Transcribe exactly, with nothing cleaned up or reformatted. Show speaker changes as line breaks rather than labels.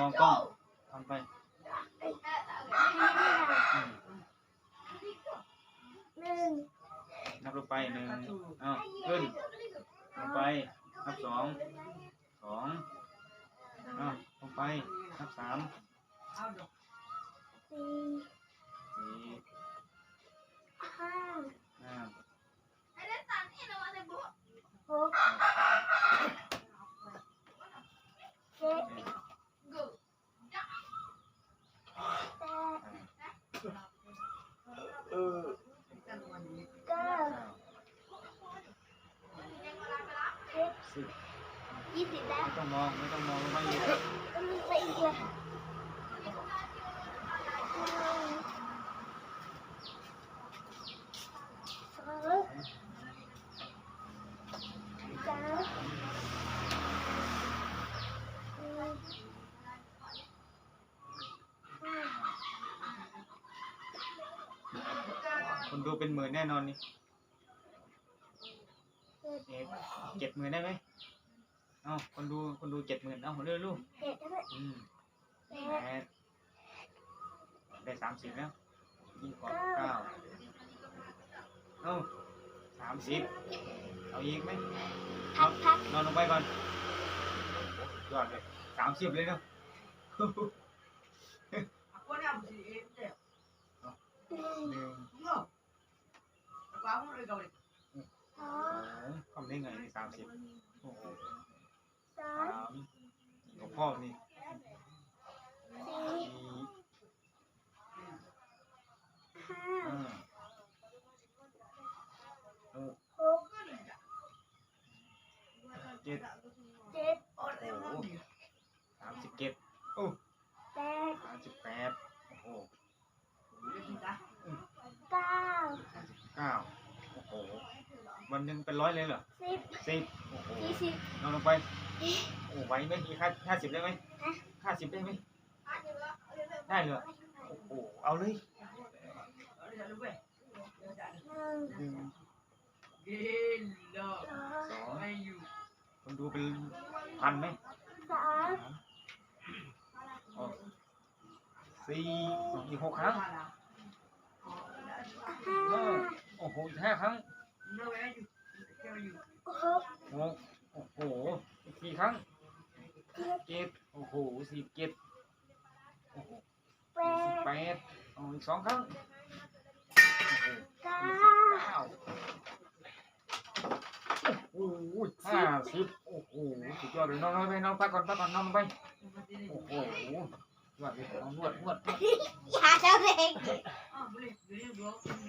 มองกล้องทำไป
หนึ่ง
นับลงไปหนึ่งอ้าวขึ้นลงไปนับสองสองอ้าวลงไปนับสาม
สี่
สี่
ห้า
ห้า
หกเจ็ดแปด
เออ
เก้าสิบยี่สิบแล้ว
ไม่ต้องมองไม่ต้องมองไม่อีก
มันไปอีกเลยสองสาม
คนดูเป็นหมื่นแน่นอนนี่เจ็ดหมื่นได้ไหมเอ้าคนดูคนดูเจ็ดหมื่นเอ้าเร็วลูก
เจ็ดแล้ว
อืมแปดได้สามสิบแล้วยิ่งกว่าเก้าเอ้าสามสิบเอาอีกไหม
พักพัก
นอนลงไปก่อนยอดเลยสามสิบเลยเนาะหนึ่ง
สอง
ทำได้ไงในสามสิบโอ้โห
สา
สาม มของพ่อนี่
สี่
สี่
ห้า
ห้าหก
หก
เจ็ด
เจ็ด
โอ้โหสามสิบเจ็ดโอ้
แปด
สามสิบแปดโอ้โห
เก้า
สามสิบเก้าโอ้โหวันหนึ่งเป็นร้อยเลยเหรอ
สิบ
สิบโอ้โห
ยี่สิบ
นอนลงไปโอ้ไหวไหมอีกห้าห้าสิบได้ไหมห้าสิบได้ไหมได้เลยโอ้โหเอาเลย
หนึ่ง
หนึ่ง
สอง
สองคนดูเป็นพันไหม
สาม
สามสี่อีกหกครั้ง
ห้า
เออโอ้โหอีกห้าครั้ง
หก
หกโอ้โหอีกสี่ครั้ง
เจ็ด
เจ็ดโอ้โหสี่เจ็ดโอ้โห
แป
สิบ
ด
แปดอ๋ออีกสองครั้งโอ้โห
เก้า
เก้าโอ้โหห้าสิบโอ้โหสุดยอดเลยนอนไปนอนพักก่อนพักก่อนนอนไปโอ้โหนวดเลยนอนนวดนวด
อย่าเจ้าเด็ก